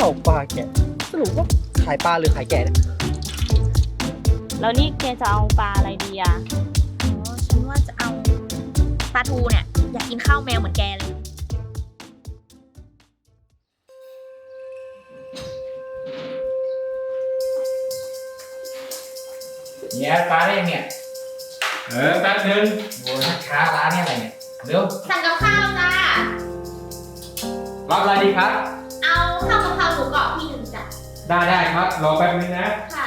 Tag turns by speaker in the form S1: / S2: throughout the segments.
S1: าวปลาแกะสรุปว่าขายปลาหรือขายแกะเนี่ย
S2: แล้วนี่แกจะเอาปลาอะไรดีอ่ะ
S3: ฉันว่าจะเอาปลาทูเนี่ยอยากกินข้าวแมวเหมือนแกเลย
S4: เนี่ยปลาได้ยังเนี่ยแป๊บนึงโอ้ยค้าร้านเนี่ยอะไรเนี่ยเร็ว
S3: สั่งกับข้าวจ้า
S4: รับอะไรดีครับ
S3: เอาข้าวกะเพราหมูกรอบที่หนึ่งจ้ะ
S4: ได้ครับรอแป๊บนึงนะ
S3: ค่ะ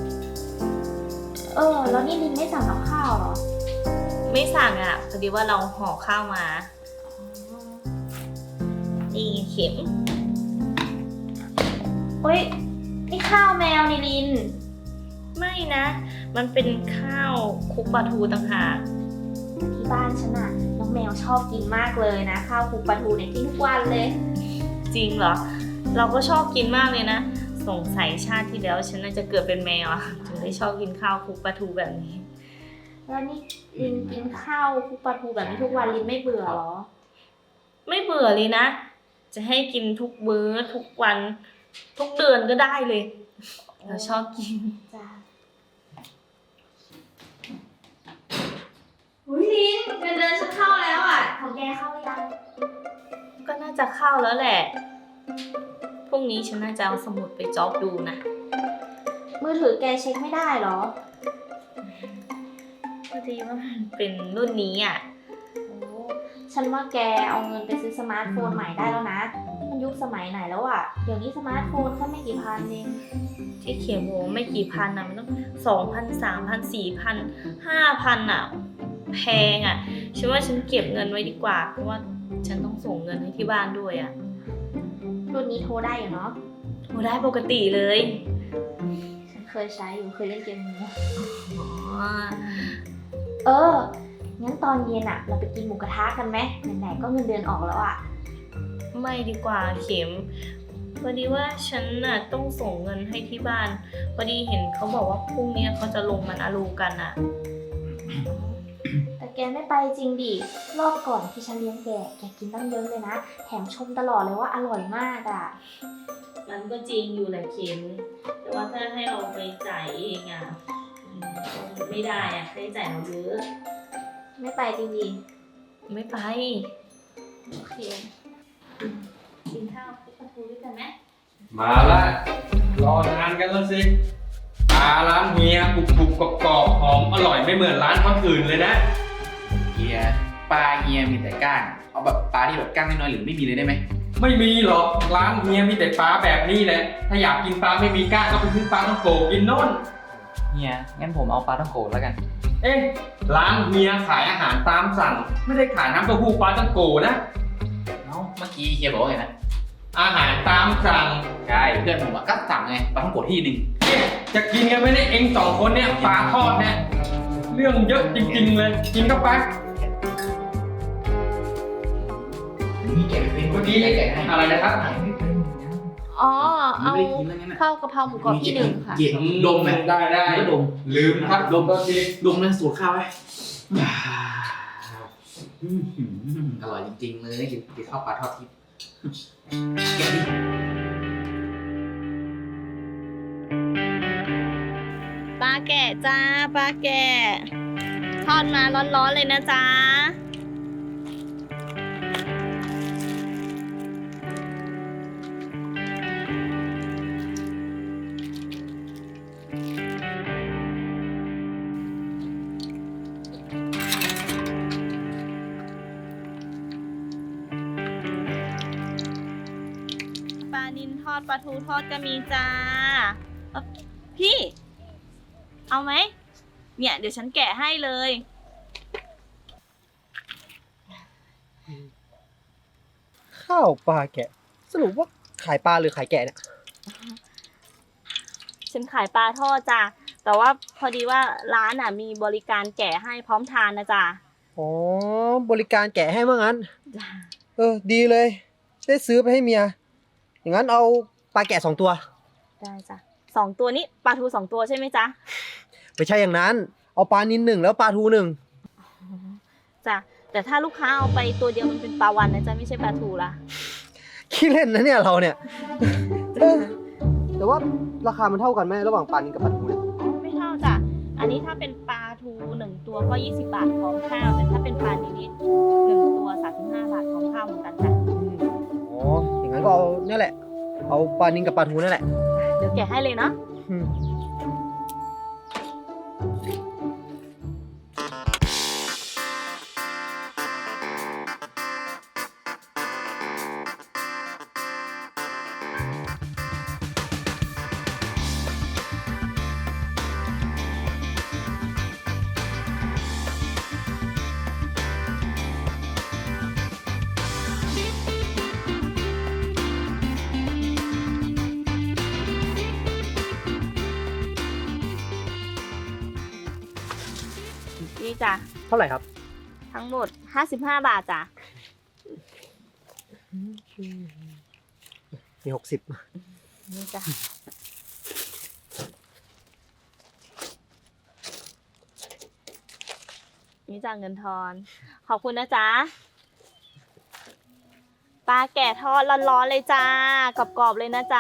S2: แล้วนี่ลินไม่สั่งกับข้าวเหรอไม่สั่งอ่ะพอดีว่าเราห่อข้าวมานี่เข็มเฮ้ยนี่ข้าวแมวนี่ลินไม่นะมันเป็นข้าวคลุกปลาทูต่างหากที่บ้านฉันน่ะน้องแมวชอบกินมากเลยนะข้าวคลุกปลาทูเนี่ยกินทุกวันเลยจริงเหรอเราก็ชอบกินมากเลยนะสงสัยชาติที่แล้วฉันน่าจะเกิดเป็นแมวอะถึงได้ชอบกินข้าวคลุกปลาทูแบบนี้แล้วนี่ลินกินข้าวคลุกปลาทูแบบนี้ทุกวันลินไม่เบื่อหรอไม่เบื่อเลยนะจะให้กินทุกมื้อทุกวันทุกเดือนก็ได้เลยเราชอบกินจ้า
S3: อุ้ยลินเงินเดือนฉันเข้าแล้วอ่ะของแกเข้าหรือยัง
S2: ก็น่าจะเข้าแล้วแหละพรุ่งนี้ฉันน่าจะเอาสมุดไปจ็อบดูนะมือถือแกเช็คไม่ได้หรอพอดีว่ามันเป็นรุ่นนี้อ่ะโอ้ฉันว่าแกเอาเงินไปซื้อสมาร์ทโฟนใหม่ได้แล้วนะนี่มันยุคสมัยไหนแล้วอ่ะเดี๋ยวนี้สมาร์ทโฟนแค่ไม่กี่พันเองที่เขียนโว้ไม่กี่พันนะมันต้อง2,000 3,000 4,000 5,000อ่ะแพงอ่ะฉันว่าฉันเก็บเงินไว้ดีกว่าเพราะว่าฉันต้องส่งเงินให้ที่บ้านด้วยอ่ะรุ่นนี้โทรได้อยู่เนาะโทรได้ปกติเลยฉันเคยใช้อยู่เคยเล่นเกมนี้งั้นตอนเย็นอะเราไปกินหมูกระทะกันไหมไหนๆก็เงินเดือนออกแล้วอะไม่ดีกว่าเข็มพอดีว่าฉันน่ะต้องส่งเงินให้ที่บ้านพอดีเห็นเขาบอกว่าพรุ่งนี้เขาจะลงมันอารูกันอะแต่แกไม่ไปจริงดิรอบก่อนที่ฉันเลี้ยงแกกินตั้งเยอะเลยนะแถมชมตลอดเลยว่าอร่อยมากอะมันก็จริงอยู่แหละเข็มแต่ว่าถ้าให้เราไปจ่ายเองอะไม่ได้อะค่าใช้จ่ายเราเยอะไม่ไปจริงดิไม่ไปโอเคกินข้าวปลาทูด้วยกันไหม
S4: มาละรอนานกันแล้วสิปลาร้านเฮียกรุบๆกรอบๆหอมอร่อยไม่เหมือนร้านคนอื่นเลยนะ
S5: เฮียปลาเฮียมีแต่ก้างเอาแบบปลาที่แบบก้างน้อยๆหรือไม่มีเลยได้ไหม
S4: ไม่มีหรอกร้านเฮียมีแต่ปลาแบบนี้แหละถ้าอยากกินปลาไม่มีก้างก็ไปซื้อปลาท่องโกกินโน่น
S5: เฮียงั้นผมเอาปลาท่องโกแล้วกัน
S4: เอ๊ะร้านเฮียขายอาหารตามสั่งไม่ได้ขายน้ำเต้าหู้ปลาท่องโกนะ
S5: เอ้าเมื่อกี้เฮียบอกว่าไงนะ
S4: อาหารตามสั่ง
S5: ใช่เพื่อนผมอะก็สั่งไงปลาท่องโกที่หนึ่ง
S4: เอ๊ะจะกินกันไหมเนี่ยเองสองคนเนี่ยปลาทอดเนี่ยเรื่องเยอะจริงๆเลยกินเข้าไป
S5: นี่แกะเป็น
S4: เมื่อกี้
S5: แกะให้
S4: อะไรนะครับ
S2: อ๋อ
S5: เอา
S2: เอา
S5: ไม่ได้กินแล้วงั้นนะ
S2: ข้าวกะเพราหมูกรอบที่หนึ่งค่ะ
S5: เย็นดมไหม
S4: ได้
S5: ก็ดม
S4: ลืมครับดมก็ที
S5: ดมเลยสูตรข้าวไว้อร่อยจริงๆเลยกินข้าวปลาทอดทิพย์แกะดิ
S2: ปลาแกะจ้าปลาแกะทอดมาร้อนๆเลยนะจ๊ะปลานิลทอดปลาทูทอดก็มีจ้าพี่ เอาไหมเนี่ยเดี๋ยวฉันแกะให้เลย
S1: ข้าวปลาแกะสรุปว่าขายปลาหรือขายแกะเนี่ย
S2: ฉันขายปลาทอดจ้ะแต่ว่าพอดีว่าร้านอ่ะมีบริการแกะให้พร้อมทานนะจ๊ะ
S1: อ๋อบริการแกะให้ว่างั้นดีเลยได้ซื้อไปให้เมียอย่างนั้นเอาปลาแกะ2 ตัว
S2: ได้จ้ะ2 ตัวนี้ปลาทู2 ตัวใช่ไหมจ๊ะ
S1: ไม่ใช่อย่างนั้นเอาปลานิล1แล้วปลาทู1
S2: จ้ะแต่ถ้าลูกค้าเอาไปตัวเดียวมันเป็นปลาวันนะจ๊ะไม่ใช่ปลาทูละ
S1: ขี้เล่นนะเนี่ยเราเนี่ยเออแต่ว่าราคามันเท่ากันไหมระหว่างปลานิลกับปลาทูเนี่ย
S2: อ๋อไม่เท่าจ้ะ อันนี้ถ้าเป็นปลาทู1ตัวก็20 บาทพร้อมข้าว แต่ถ้าเป็นปลานิล1ตัว35 บาทพร้อมข้าวเหมือนกันจ้ะ
S1: อ๋ออย่างนั้นก็เอาเนี่ยแหละ เอาปลานิลกับปลาทูนั่นแหละ
S2: เดี๋ยวแกะให้เลยเนาะ
S1: อืม
S2: นี่จ้ะ
S1: เท่าไหร่ครับ
S2: ทั้งหมด55 บาทจ้ะ
S1: มี60
S2: นี่จ้ะ นี่จ้ะเงินทอน ขอบคุณนะจ๊ะ ปลาแก่ทอดร้อนๆเลยจ้ากรอบๆเลยนะจ๊ะ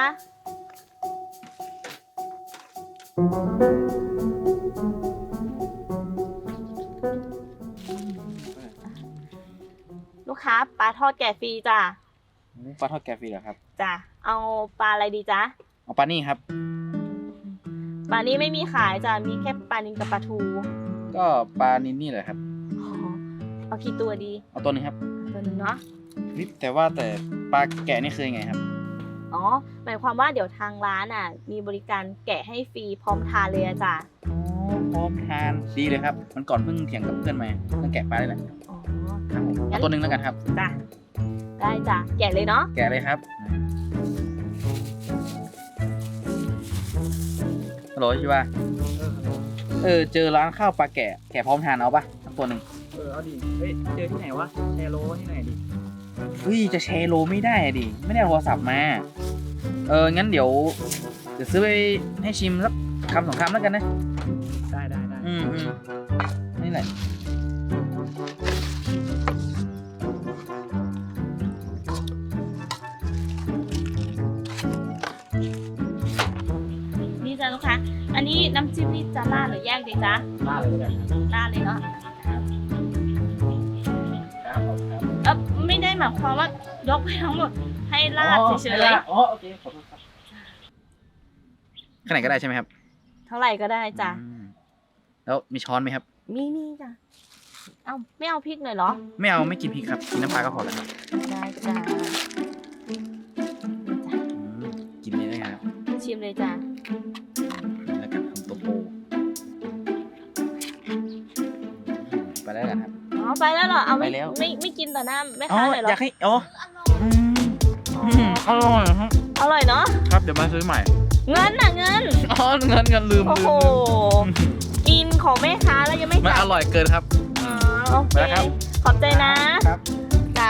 S2: ลูกค้าปลาทอดแก่ฟรีจ้ะ
S5: ปลาทอดแกฟรีเหรอครับ
S2: จ้ะ เอาปลาอะไรดีจ๊ะ
S5: เอาปลานี่ครับ
S2: ปลานี้ไม่มีขายจ้ะ มีแค่ปลานิลกับปลาทู
S5: ก็ปลานินนี่แหละครับ
S2: อ๋อเอากี่ตัวดี
S5: เอาตัวหนึงครับ
S2: ตัวหนึ่งเนาะ
S5: นี่แต่ว่าแต่ปลาแกะนี่คือยังไงครับ
S2: อ๋อ หมายความว่าเดี๋ยวทางร้านอ่ะ มีบริการแกะให้ฟรีพร้อมทานเลยอะจ้ะ
S5: พร้อมทานดีเลยครับ มันก่อนเพิ่งเถียงกับเพื่อนมาเรื่องแกะปลาได้แหละ
S2: อ๋อ
S5: ครับผมเอาตัวหนึงแล้วกันครับ
S2: จ้ะ ได้จ้ะ แกะเลยเนาะ
S5: แกะเลยครับฮัลโหลชิวาเจอร้านข้าวปลาแกะพร้อมทานเอาปะสักตัวหนึ่ง
S6: เอาดิ เฮ้ย เจอที่ไหนวะ แชร์โลที่ไหนดิ
S5: เฮ้ยจะแชร์โลไม่ได้ดิ ไม่ได้เอาโทรศัพท์มา งั้นเดี๋ยวซื้อไปให้ชิมสักคำสองคำแล้วกันนะ
S6: ได้ได้ได้
S5: นี่แหละ
S2: นี่จ้ะลูกค้า อันนี้น้ำจิ้มนี่จะราดหรือแยกดีจ๊ะ
S6: ล่าเลยแล้วกันครับ
S2: ราดเลยเนาะ
S6: ครับผมครับ
S2: ไม่ได้หมายความว่ายกไปทั้งหมดให้ราดเฉย
S6: อ๋อโอเค ขอโทษครับ
S5: ขนาดก็ได้ใช่ไหมครับ
S2: ๆ เท่าไหร่ก็ได้จ้ะ
S5: แล้วมีช้อนไหมครับ
S2: มีจ้ะ เอาไม่เอาพริกหน่อยเหรอ
S5: ไม่เอาไม่กินพริกครับ กินน้ำปลาก็พอแล้วครับ
S2: ได้จ้ะ
S5: กินนี่ได้ไงครับ
S2: ชิมเลยจ้ะ
S5: แล้วกันคำโตโตไปแล้วกันครับ
S2: อ๋อไปแล้วเหรอ เอาไม่
S5: ไปแล้ว
S2: ไม่กินต่อหน้าแม่
S5: อ๋อ
S2: ค้าเลยเหรอ
S5: อยากให้อร่อยครับ
S2: อร่อยเนาะ
S5: ครับเดี๋ยวมาซื้อใหม่
S2: เงินน่ะเงิน
S5: อ๋อเงินลืม
S2: โอ้โห กินของแม่ค้าแล้วยังไม่
S5: มัน
S2: จ่า
S5: อย ร่อยเกินครับ
S2: อ๋อโอเค
S5: ไปแล้วครับ
S2: ขอบใจนะครับ จ้ะ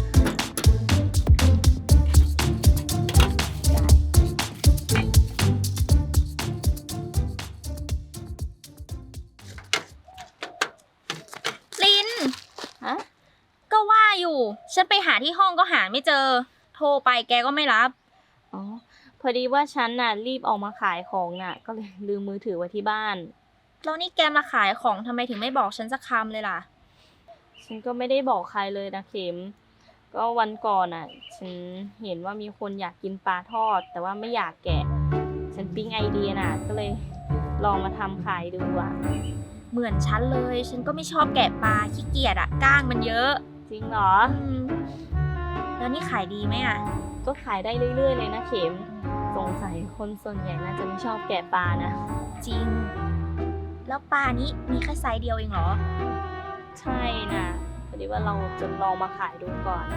S3: ลิน
S2: ฮะ
S3: ก็ว่าอยู่ ฉันไปหาที่ห้องก็หาไม่เจอ โทรไปแกก็ไม่รับ
S2: อ๋อ พอดีว่าฉันน่ะรีบออกมาขายของน่ะ ก็เลยลืมมือถือไว้ที่บ้าน
S3: แล้วนี่แกมาขายของทำไมถึงไม่บอกฉันสักคำเลยล่ะ
S2: ฉันก็ไม่ได้บอกใครเลยนะเข็ม ก็วันก่อนอ่ะ ฉันเห็นว่ามีคนอยากกินปลาทอด แต่ว่าไม่อยากแกะ ฉันปิ๊งไอเดียน่ะ ก็เลยลองมาทำขายดูอ่ะ
S3: เหมือนฉันเลย ฉันก็ไม่ชอบแกะปลาขี้เกียจอะก้างมันเยอะ
S2: จริงเหรอ
S3: แล้วนี่ขายดีไหมอะ
S2: ก็ขายได้เรื่อยๆเลยนะเข็ม สงสัยคนส่วนใหญ่น่าจะไม่ชอบแกะปลานะ
S3: จริง แล้วปลานี้มีแค่ไซส์เดียวเองเหรอ
S2: ใช่นะพอดีว่าเราจะลองมาขายดูก่อน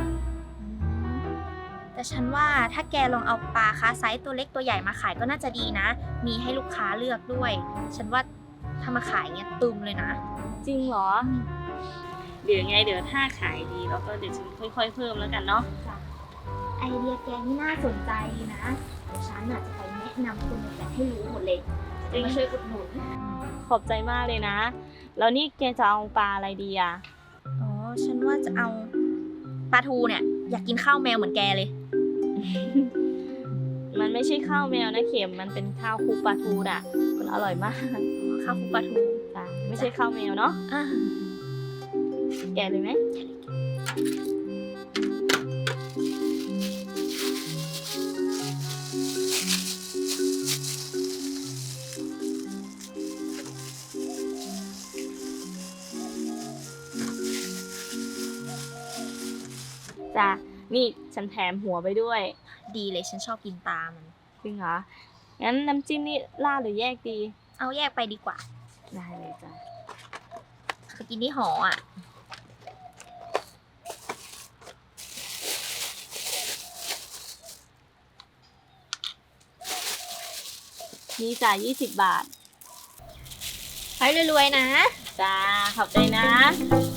S3: แต่ฉันว่าถ้าแกลองเอาปลาคาไซส์ตัวเล็กตัวใหญ่มาขายก็น่าจะดีนะ มีให้ลูกค้าเลือกด้วย ฉันว่าถ้ามาขายเงี้ยตึมเลยนะ
S2: จริงเหรอ เดี๋ยวไงเดี๋ยวถ้าขายดีแล้วก็เดี๋ยวฉันค่อยๆเพิ่มแล้วกันเนาะ
S3: ไอเดียแกนี่น่าสนใจนะเดี๋ยวฉันน่ะจะไปแนะนำคนในแฟลตให้รู้หมดเลยจะมาช่วยอุดหนุน
S2: ขอบใจมากเลยนะ แล้วนี่แกจะเอาปลาอะไรดีอ่ะ
S3: อ๋อ ฉันว่าจะเอาปลาทูเนี่ย อยากกินข้าวแมวเหมือนแกเลย
S2: ไม่ใช่ข้าวแมวนะเข็ม มันเป็นข้าวคลุกปลาทูน่ะ มันอร่อยมาก
S3: ข้าวคลุกปลาทู
S2: จ้ะไม่ใช่ข้าวแมวเนาะ
S3: อ่า
S2: แกะเลยไหม จ้ะ นี่ฉันแถมหัวไปด้วย
S3: ดีเลยฉันชอบกินปลามัน
S2: จริงเหรอ งั้นน้ำจิ้มนี่ราดหรือแยกดี
S3: เอาแยกไปดีกว่า
S2: ได้เลยจ้ะ
S3: ไปกินที่หออ่ะ
S2: นี่จ่าย20 บาท
S3: ให้รวยๆนะ
S2: จ้า ขอบใจนะ